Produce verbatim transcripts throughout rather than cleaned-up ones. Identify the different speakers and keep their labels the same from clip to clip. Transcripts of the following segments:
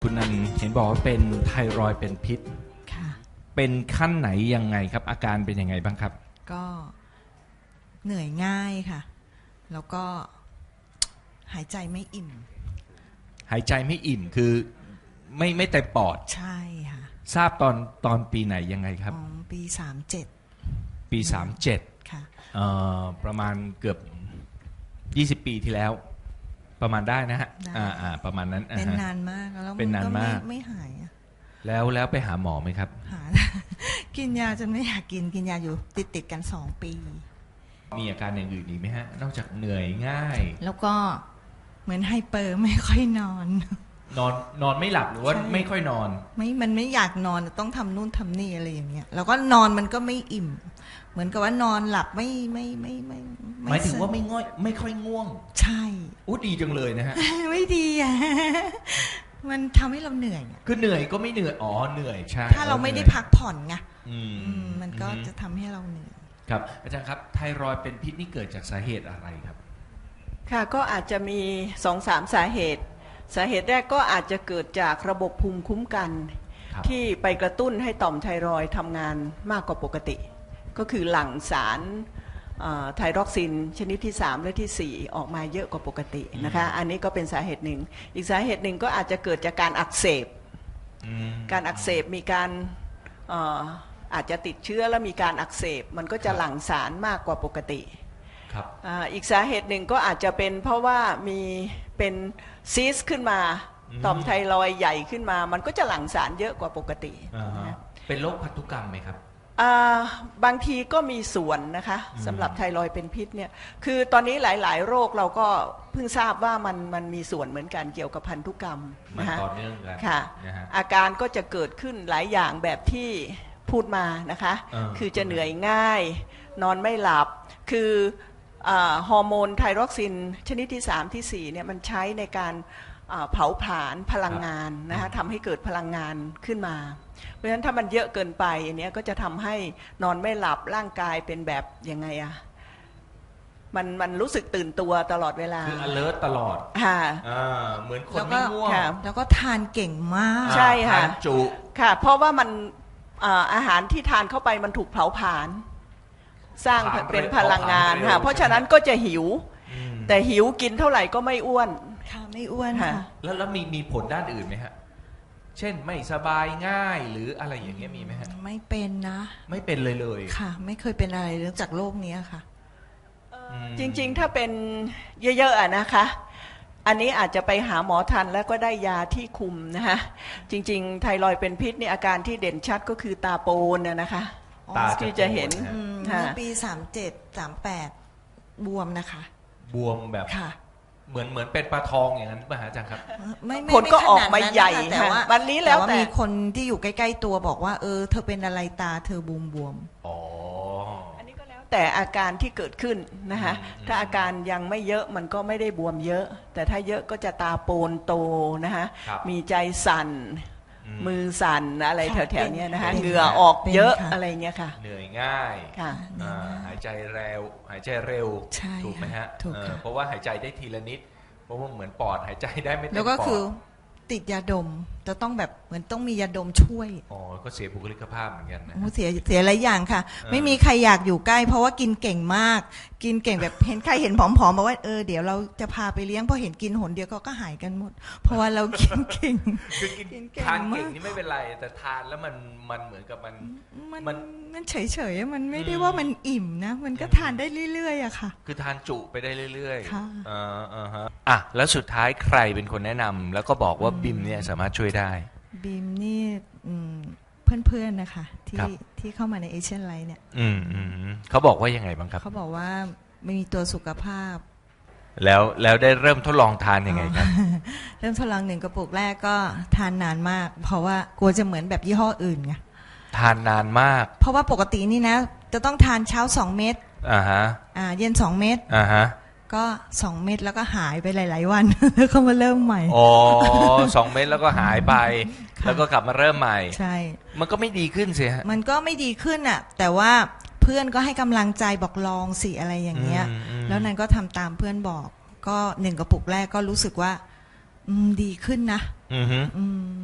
Speaker 1: คุณนันเห็นบอกว่าเป็นไทรอยด์เป็นพิษ
Speaker 2: ค่ะ
Speaker 1: เป็นขั้นไหนยังไงครับอาการเป็นยังไงบ้างครับ
Speaker 2: ก็เหนื่อยง่ายค่ะแล้วก็หายใจไม่อิ่ม
Speaker 1: หายใจไม่อิ่มคือไม่ไม่เต็มปอด
Speaker 2: ใช่ค่ะ
Speaker 1: ทราบตอนตอนปีไหนยังไงครับ
Speaker 2: อ๋อปีสามเจ็ด
Speaker 1: ปีสามเจ็ด
Speaker 2: ค่ะ
Speaker 1: เอ่อประมาณเกือบยี่สิบปีที่แล้วประมาณได้นะฮะอ่าอ่าประมาณนั้น
Speaker 2: เป็นนานมากแล้ว
Speaker 1: เป็นนานมาก
Speaker 2: ไม่หายอะ
Speaker 1: แล้วแล้วไปหาหมอไหมครับ
Speaker 2: หา กินยาจนไม่อยากกินกินยาอยู่ติดติดกันสองปี
Speaker 1: มีอาการอย่างอื่นอีกไหมฮะนอกจากเหนื่อยง่าย
Speaker 2: แล้วก็เหมือนไฮเปอร์ไม่ค่อยนอน
Speaker 1: นอนนอนไม่หลับหรือว่าไม่ค่อยนอน
Speaker 2: ไม่มันไม่อยากนอนต้องทำนู่นทำนี่อะไรอย่างเงี้ยแล้วก็นอนมันก็ไม่อิ่มเหมือนกับว่านอนหลับไม่ไม่ไม่ไม่
Speaker 1: หมายถึงว่าไม่ง่อยไม่ค่อยง่วง
Speaker 2: ใช่
Speaker 1: อู้ดีจังเลยนะฮะ
Speaker 2: ไม่ดีอ่ะมันทำให้เราเหนื่อย
Speaker 1: คือเหนื่อยก็ไม่เหนื่อยอ๋อเหนื่อยใช่
Speaker 2: ถ้าเราไม่ได้พักผ่อนไงมันก็จะทำให้เราเหนื่อย
Speaker 1: ครับอาจารย์ครับไทรอยด์เป็นพิษนี่เกิดจากสาเหตุอะไรครับ
Speaker 3: ค่ะก็อาจจะมี สองถึงสาม สาเหตุสาเหตุแรกก็อาจจะเกิดจากระบบภูมิคุ้มกันที่ไปกระตุ้นให้ต่อมไทรอยด์ทำงานมากกว่าปกติก็คือหลั่งสารไทรอกซินชนิดที่สามและที่สี่ออกมาเยอะกว่าปกตินะคะอันนี้ก็เป็นสาเหตุหนึ่งอีกสาเหตุหนึ่งก็อาจจะเกิดจากการอักเสบการอักเสบมีการอาจจะติดเชื้อแล้วมีการอักเสบมันก็จะหลั่งสารมากกว่าปกติอีกสาเหตุหนึ่งก็อาจจะเป็นเพราะว่ามีเป็นซีสขึ้นมาต่อมไทรอยด์ใหญ่ขึ้นมามันก็จะหลั่งสารเยอะกว่าปกติ
Speaker 1: เป็นโรคพันธุกรรมไหมครับ
Speaker 3: บางทีก็มีส่วนนะคะสำหรับไทรอยด์เป็นพิษเนี่ยคือตอนนี้หลายๆโรคเราก็เพิ่งทราบว่ามันมันมีส่วนเหมือนกันเกี่ยวกับพันธุกรรม
Speaker 1: นะคะต่อเนื่องกัน
Speaker 3: ค่ะอาการก็จะเกิดขึ้นหลายอย่างแบบที่พูดมานะคะคือจะเหนื่อยง่ายนอนไม่หลับคือฮอร์โมนไทรอกซินชนิดที่สามที่สี่เนี่ยมันใช้ในการเผาผลาญพลังงานนะคะทำให้เกิดพลังงานขึ้นมาเพราะฉะนั้นถ้ามันเยอะเกินไปอันนี้ก็จะทำให้นอนไม่หลับร่างกายเป็นแบบยังไงอะมันมันรู้สึกตื่นตัวตลอดเวลา
Speaker 1: คือ alert ตลอด
Speaker 3: ค่ะ
Speaker 1: เหมือนคนไม่ง่วง
Speaker 2: แล้วก็ทานเก่งมาก
Speaker 3: ใช่ค่ะ
Speaker 1: ทานจุ
Speaker 3: ค่ะเพราะว่ามันอาหารที่ทานเข้าไปมันถูกเผาผลาญสร้างเป็นพลังงานค่ะเพราะฉะนั้นก็จะหิวแต่หิวกินเท่าไหร่ก็ไม่อ้วน
Speaker 2: ค่ะไม่อ้วนค่ะ
Speaker 1: แล้วแล้วมีมีผลด้านอื่นไหมฮะเช่นไม่สบายง่ายหรืออะไรอย่างเงี้ยมีไหมฮะ
Speaker 2: ไม่เป็นนะ
Speaker 1: ไม่เป็นเลยเลย
Speaker 2: ค่ะไม่เคยเป็นอะไรเรื่องจากโรคนี้ค่ะ
Speaker 3: จริงๆถ้าเป็นเยอะๆอะนะคะอันนี้อาจจะไปหาหมอทันแล้วก็ได้ยาที่คุมนะคะจริงๆไทรอยด์เป็นพิษนี่อาการที่เด่นชัดก็คือตาโปนนะคะ
Speaker 1: ตา
Speaker 3: ที่จะเห็น
Speaker 2: เมื่อปีสามเจ็ดสามแปดบวมนะคะ
Speaker 1: บวมแบบเหมือนเหมือนเป็นปลาทองอย่างนั้นป่ะฮะอาจารย์ครับ
Speaker 3: ผลก็ออกมาใหญ่แต่ว่าวันนี้แล้วแต่
Speaker 2: มีคนที่อยู่ใกล้ๆตัวบอกว่าเออเธอเป็นอะไรตาเธอบวมบวม
Speaker 1: อ๋อ
Speaker 3: อันนี้ก็แล้วแต่อาการที่เกิดขึ้นนะคะถ้าอาการยังไม่เยอะมันก็ไม่ได้บวมเยอะแต่ถ้าเยอะก็จะตาโปนโตนะคะมีใจสั่นมือสั่นอะไรแถวๆนี้นะคะเหงื่อออกเยอะอะไรเงี้ยค่ะ
Speaker 1: เหนื่อยง่ายหายใจเร็วหายใจเร็วถูกไหมฮะเพราะว่าหายใจได้ทีละนิดเพราะว่าเหมือนปอดหายใจได้ไม่เต็มปอด
Speaker 2: แล้วก็คือติดยาดมจะต้องแบบเหมือนต้องมียาดมช่วย
Speaker 1: อ๋อก็เสียบุคลิกภาพเหมือนกันนะ
Speaker 2: เสียเสียหลายอย่างค่ะไม่มีใครอยากอยู่ใกล้เพราะว่ากินเก่งมากกินเก่งแบบเห็นใครเห็นผอมๆบอกว่าเออเดี๋ยวเราจะพาไปเลี้ยงพอเห็นกินหนเดียวก็ก็หายกันหมดเพราะว่าเรากินเก่ง
Speaker 1: คือกินทานเก่งนี่ไม่เป็นไรแต่ทานแล้วมันมันเหมือนกับมัน
Speaker 2: มันมันเฉยๆมันไม่ได้ว่ามันอิ่มนะมันก็ทานได้เรื่อยๆอะค่ะ
Speaker 1: คือทานจุไปได้เรื่อยๆค่ะอ่าอ่าฮะอ่ะแล้วสุดท้ายใครเป็นคนแนะนำแล้วก็บอกว่าบิมเนี่ยสามารถช่วยได้
Speaker 2: บิมนี่เพื่อนๆนะคะที่ที่เข้ามาในเอเชียนไลท์เนี่ย
Speaker 1: อืมอืมเขาบอกว่ายังไงบ้างครับ
Speaker 2: เขาบอกว่าไม่มีตัวสุขภาพ
Speaker 1: แล้วแล้วได้เริ่มทดลองทานยังไงครับ
Speaker 2: เริ่มทดลองหนึ่งกระปุกแรกก็ทานนานมากเพราะว่ากลัวจะเหมือนแบบยี่ห้ออื่นไง
Speaker 1: ทานนานมาก
Speaker 2: เพราะว่าปกตินี่นะจะต้องทานเช้าสองเม็ด
Speaker 1: อ่าฮะ
Speaker 2: อ่าเย็นสองเม็ด
Speaker 1: อ่าฮะ
Speaker 2: ก็สองเม็ดแล้วก็หายไปหลายๆวันแล้วก็มาเริ่มใหม่
Speaker 1: อ๋อสองเม็ดแล้วก็หายไปแล้วก็กลับมาเริ่มใหม่
Speaker 2: ใช่
Speaker 1: มันก็ไม่ดีขึ้นสิฮะ
Speaker 2: มันก็ไม่ดีขึ้นอ่ะแต่ว่าเพื่อนก็ให้กำลังใจบอกลองสิอะไรอย่างเงี้ยแล้วนั้นก็ทำตามเพื่อนบอกก็หนึ่งกระปุกแรกก็รู้สึกว่าอืมดีขึ้นนะ
Speaker 1: อือฮึ
Speaker 2: อืม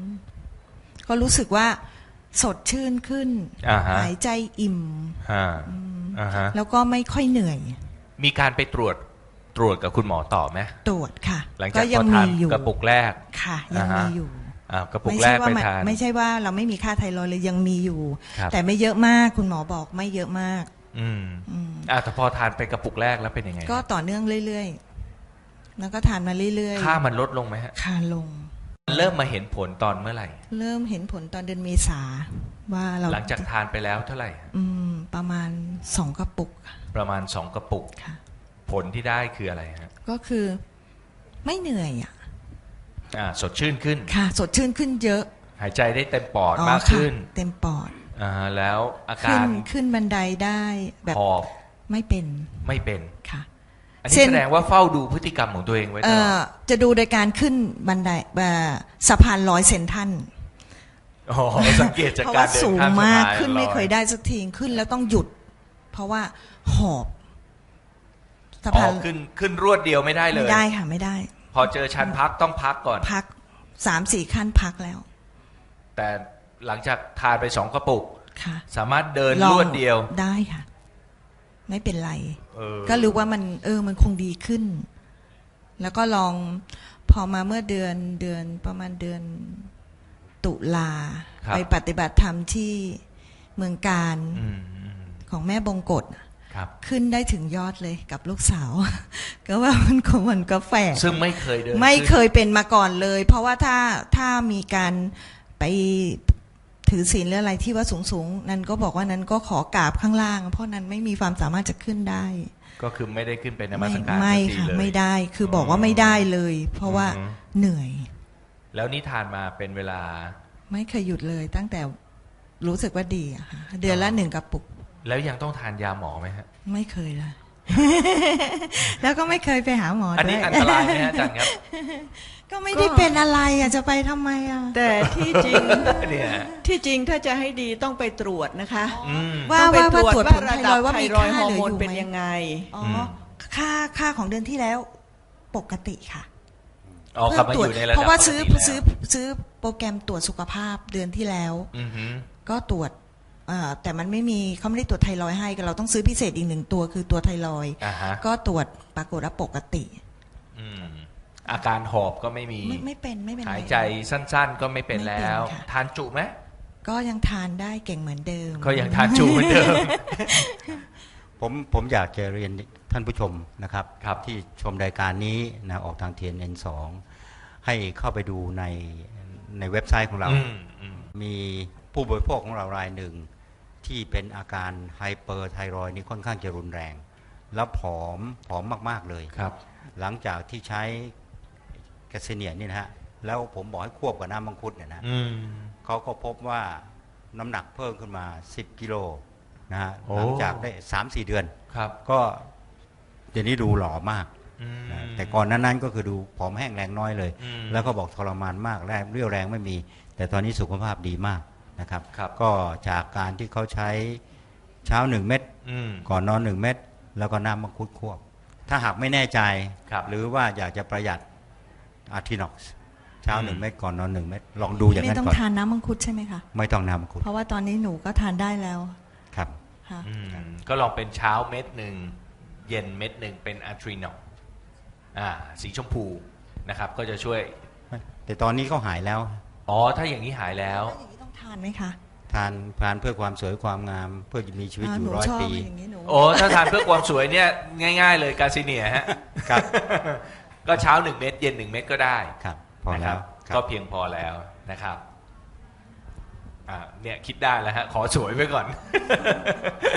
Speaker 2: ก็รู้สึกว่าสดชื่นขึ้น
Speaker 1: อ่าฮะ
Speaker 2: หายใจอิ่ม
Speaker 1: อ่าอ่าฮะ
Speaker 2: แล้วก็ไม่ค่อยเหนื่อย
Speaker 1: มีการไปตรวจตรวจกับคุณหมอต่อไหม
Speaker 2: ตรวจค่ะ
Speaker 1: หลัง
Speaker 2: ก็
Speaker 1: จากพ
Speaker 2: ยั
Speaker 1: อทา
Speaker 2: มี
Speaker 1: น
Speaker 2: อยู่
Speaker 1: กระปุกแรก
Speaker 2: ค่ะยัง
Speaker 1: อ่าฮะ
Speaker 2: มีอยู่
Speaker 1: อ่ากระปุก
Speaker 2: ไม่
Speaker 1: แร
Speaker 2: ใช่
Speaker 1: ก
Speaker 2: ว่า
Speaker 1: ไป
Speaker 2: มัน
Speaker 1: ทาน
Speaker 2: ไม่ใช่ว่าเราไม่มีค่าไทรอยด์เลยยังมีอยู่
Speaker 1: ครับ
Speaker 2: แต่ไม่เยอะมากคุณหมอบอกไม่เยอะมาก
Speaker 1: อืม
Speaker 2: อืม
Speaker 1: อ่าแต่พอทานไปกระปุกแรกแล้วเป็นยังไง
Speaker 2: ก็ต่อเนื่องเรื่อยๆ แล้วก็ทานมาเรื่อยๆ
Speaker 1: ค่ามันลดลงไหมฮะ
Speaker 2: ค่าลง
Speaker 1: เริ่มมาเห็นผลตอนเมื่อไหร่
Speaker 2: เริ่มเห็นผลตอนเดือนเมษาว่าเรา
Speaker 1: หลังจากทานไปแล้วเท่าไหร่
Speaker 2: อืมประมาณสองกระปุก
Speaker 1: ประมาณสองกระปุก
Speaker 2: ค่ะ
Speaker 1: ผลที่ได้คืออะไรฮะ
Speaker 2: ก็คือไม่เหนื่อยอ่ะ
Speaker 1: อ่าสดชื่นขึ้น
Speaker 2: ค่ะ สดชื่นขึ้นเยอะ
Speaker 1: หายใจได้เต็มปอด
Speaker 2: อ๋อ
Speaker 1: มาก
Speaker 2: ค่ะ
Speaker 1: ขึ้น
Speaker 2: เต็มปอด
Speaker 1: อ่าแล้วอา
Speaker 2: ขึ้
Speaker 1: กาน ร
Speaker 2: ขึ้นบันไดได้แบบ
Speaker 1: หอบ
Speaker 2: ไม่เป็น
Speaker 1: ไม่เป็น
Speaker 2: ค่ะ
Speaker 1: อันนี้
Speaker 2: เช่น
Speaker 1: แสดงว่าเฝ้าดูพฤติกรรมของตัวเองไว้ต
Speaker 2: เอ่
Speaker 1: ลอ
Speaker 2: อ
Speaker 1: ด
Speaker 2: จะดูโดยการขึ้นบันไดเอ่อสะพานลอยเซนทรัน
Speaker 1: อ๋อสังเกตจาก
Speaker 2: เพราะ
Speaker 1: กา
Speaker 2: ว่าร
Speaker 1: เดิน
Speaker 2: สูง
Speaker 1: ข้ามสะ
Speaker 2: มาก
Speaker 1: พาน
Speaker 2: ขึ้นไม่
Speaker 1: ลอ
Speaker 2: เคยได้สักทีขึ้นแล้วต้องหยุด เพราะว่าหอบสะ
Speaker 1: อ๋
Speaker 2: พา
Speaker 1: อน ขึ้นขึ้นรวดเดียวไม่ได้เล
Speaker 2: ไม่
Speaker 1: ย
Speaker 2: ได้ค่ะไม่ได้
Speaker 1: พอเจอชั้นพักต้องพักก่อน
Speaker 2: พักสามสี่ขั้นพักแล้ว
Speaker 1: แต่หลังจากทานไปสองกระปุก
Speaker 2: ค่ะ
Speaker 1: สามารถเดิน
Speaker 2: ลอง
Speaker 1: รวดเดียว
Speaker 2: ได้ค่ะ ไม่เป็นไร
Speaker 1: เออ
Speaker 2: ก็รู้ว่ามัน เออ มันคงดีขึ้น แล้วก็ลองพอมาเมื่อเดือนเดือนประมาณเดือนตุลา
Speaker 1: ครับ
Speaker 2: ไปปฏิบัติธรรมที่เมืองการ
Speaker 1: อืมอืม
Speaker 2: ของแม่บงกฎ
Speaker 1: ครับ
Speaker 2: ขึ้นได้ถึงยอดเลยกับลูกสาว ก็ว่ามันคงมันก็แฝง
Speaker 1: ซึ่งไม่เคยเดิน
Speaker 2: ไม่เค
Speaker 1: ขึ้น
Speaker 2: ยเป็นมาก่อนเลย เพราะว่าถ้าถ้ามีการไปถือศีลหรืออะไรที่ว่าสูงสูงๆนั้นก็บอกว่านั้นก็ขอกราบข้างล่าง เพราะนั้นไม่มีความสามารถจะขึ้นได้
Speaker 1: ก็คือไม่ได้ขึ้นไปนมั
Speaker 2: ไม่
Speaker 1: สการ
Speaker 2: ไม่
Speaker 1: สักที
Speaker 2: ค่ะ
Speaker 1: เลย
Speaker 2: ไม่ได้คือบอกว่าไม่ได้เลย เพราะว่า
Speaker 1: อือฮึ
Speaker 2: เหนื่อย
Speaker 1: แล้วนี่ทานมาเป็นเวลา
Speaker 2: ไม่เคยหยุดเลย ตั้งแต่รู้สึกว่าดีอะค่ะเดือนละหนึ่งกระปุก
Speaker 1: แล้วยังต้องทานยาหมอไหมฮะ
Speaker 2: ไม่เคยเลย แล้วก็ไม่เคยไปหาหมอ
Speaker 1: อัน
Speaker 2: ด้
Speaker 1: นี้
Speaker 2: วย
Speaker 1: อันตรายไหมฮะอาจารย์ครับ
Speaker 2: ก็ไม่ได้เป็นอะไรอ่ะจะไปทำไมอ่ะ
Speaker 3: แต่ที่จริง
Speaker 1: เนี่ย
Speaker 3: ที่จริงถ้าจะให้ดีต้องไปตรวจนะคะ
Speaker 1: อืม
Speaker 2: ว่า
Speaker 3: ต้องไป
Speaker 2: ว่า
Speaker 3: ตรวจ
Speaker 2: ว่าตรวจ
Speaker 3: ว่า
Speaker 2: ผล
Speaker 3: ระ
Speaker 2: ไท
Speaker 3: ดั
Speaker 2: ร
Speaker 3: บ
Speaker 2: อยด์ว่า
Speaker 3: ไท
Speaker 2: มี
Speaker 3: รอยด์
Speaker 2: ค่า
Speaker 3: ฮอ
Speaker 2: เห
Speaker 3: ร์
Speaker 2: ลือ
Speaker 3: โมน
Speaker 2: อยู่
Speaker 3: เป็น
Speaker 2: ไหม
Speaker 3: ยังไง
Speaker 2: อ๋ออ
Speaker 1: ม
Speaker 2: ค่าค่าของเดือนที่แล้วปกติค่ะ
Speaker 1: อ๋อกลับมา
Speaker 2: ต
Speaker 1: อ
Speaker 2: รวจ
Speaker 1: ยู่ในระดับ
Speaker 2: เพราะว่าซื้อ
Speaker 1: ปกติ
Speaker 2: ซื้อ
Speaker 1: แล้ว
Speaker 2: ซื้อโปรแกรมตรวจสุขภาพเดือนที่แล้ว
Speaker 1: อือฮึ
Speaker 2: ก็ตรวจเอ่อแต่มันไม่มีเขาไม่ได้ตรวจไทรอยด์ให้เราต้องซื้อพิเศษอีกหนึ่งตัวคือตัวไทรอยด์
Speaker 1: อ่าฮะ
Speaker 2: ก็ตรวจปรากฏว่าปกติ
Speaker 1: อืมอาการหอบก็ไม่มี
Speaker 2: ไม่ไม่เป็นไม่เป็นไร
Speaker 1: หายใจสั้นๆ ก็ไม่เป็น
Speaker 2: ไม่เป็น
Speaker 1: แล้ว
Speaker 2: ค่ะ
Speaker 1: ทานจุไหม
Speaker 2: ก็ยังทานได้เก่งเหมือนเดิม
Speaker 1: ก็ยังทานจุเหมือนเดิม
Speaker 4: ผมผมอยากจะเรียนท่านผู้ชมนะครับ
Speaker 1: ครับ
Speaker 4: ที่ชมรายการนี้นะออกทาง ที เอ็น เอ็น สอง ให้เข้าไปดูในในเว็บไซต์ของเรา
Speaker 1: อืมอืม
Speaker 4: มีผู้บริโภคของเรารายหนึ่ง ที่เป็นอาการไฮเปอร์ไทรอยด์นี่ค่อนข้างจะรุนแรง แล้วผอมผอมมาก ๆ เลย
Speaker 1: ครับ
Speaker 4: หลังจากที่ใช้แคสเซเนียนี่นะฮะแล้วผมบอกให้ควบกับน้ำมังคุดเนี่ยนะ
Speaker 1: อืม
Speaker 4: เขาก็พบว่าน้ำหนักเพิ่มขึ้นมาสิบกิโลนะฮะ
Speaker 1: โอ้
Speaker 4: หลังจากได้ สามสี่ เดือน
Speaker 1: ครับ
Speaker 4: ก็เดี๋ยวนี้ดูหล่อมาก
Speaker 1: อืม
Speaker 4: นะแต่ก่อนนั้น ๆ ก็คือดูผอมแห้งแรงน้อยเลย
Speaker 1: อืม
Speaker 4: แล้วก็บอกทรมานมากแรงเรี่ยวแรงไม่มี แต่ตอนนี้สุขภาพดีมากนะครับ
Speaker 1: ครับ
Speaker 4: ก็จากการที่เขาใช้เช้าหนึ่งเม็ด
Speaker 1: อืม
Speaker 4: ก่อนนอนหนึ่งเม็ดแล้วก็น้ำมังคุดควบ ถ้าหากไม่แน่ใจ
Speaker 1: ครับ
Speaker 4: หรือว่าอยากจะประหยัดอาร์ทินอกซ์เช้า
Speaker 1: อืม
Speaker 4: หนึ่งเม็ดก่อนนอนหนึ่งเม็ดลองดูอย่าง
Speaker 2: ไม่
Speaker 4: นั้น
Speaker 2: ต้อง
Speaker 4: ก่อน
Speaker 2: ทานน้ำมังคุดใช่ไหมคะ
Speaker 4: ไม่ต้องน้ำมังคุด
Speaker 2: เพราะว่าตอนนี้หนูก็ทานได้แล้ว
Speaker 4: ครับ
Speaker 2: ค่ะ
Speaker 1: อืมก็ลองเป็นเช้าเม็ดหนึ่งเย็นเม็ดหนึ่งเป็นอะทรีนอลอ่าสีชมพูนะครับ ก็จะช่วย
Speaker 4: แต่ตอนนี้เขาหายแล้ว
Speaker 1: อ๋อถ้าอย่างนี้หายแล้ว
Speaker 2: แล้วอย่างนี้ต้องทานไหมคะ
Speaker 4: ทานทานเพื่อความสวยความงาม เพื่อจะมีชีวิต
Speaker 2: อ่า
Speaker 4: อ
Speaker 2: ห
Speaker 4: ยู่
Speaker 2: นู
Speaker 4: ร้อย
Speaker 2: ชอบ
Speaker 4: ปี
Speaker 2: อย่างนี้หนู
Speaker 1: โอ้ถ้าทานเพื่อความสวยเนี่ยง่าย ๆ เลยกาซิเนียฮะ
Speaker 4: ครับ
Speaker 1: ก็เช้าหนึ่งเม็ดเย็นหนึ่งเม็ดก็ได้
Speaker 4: ครับ พอ
Speaker 1: นะค
Speaker 4: แล้
Speaker 1: รั
Speaker 4: ว
Speaker 1: บ
Speaker 4: ครับ
Speaker 1: ก็เพียงพอแล้วนะครับอ่าเนี่ยคิดได้แล้วฮะขอสวยไว้ก่อน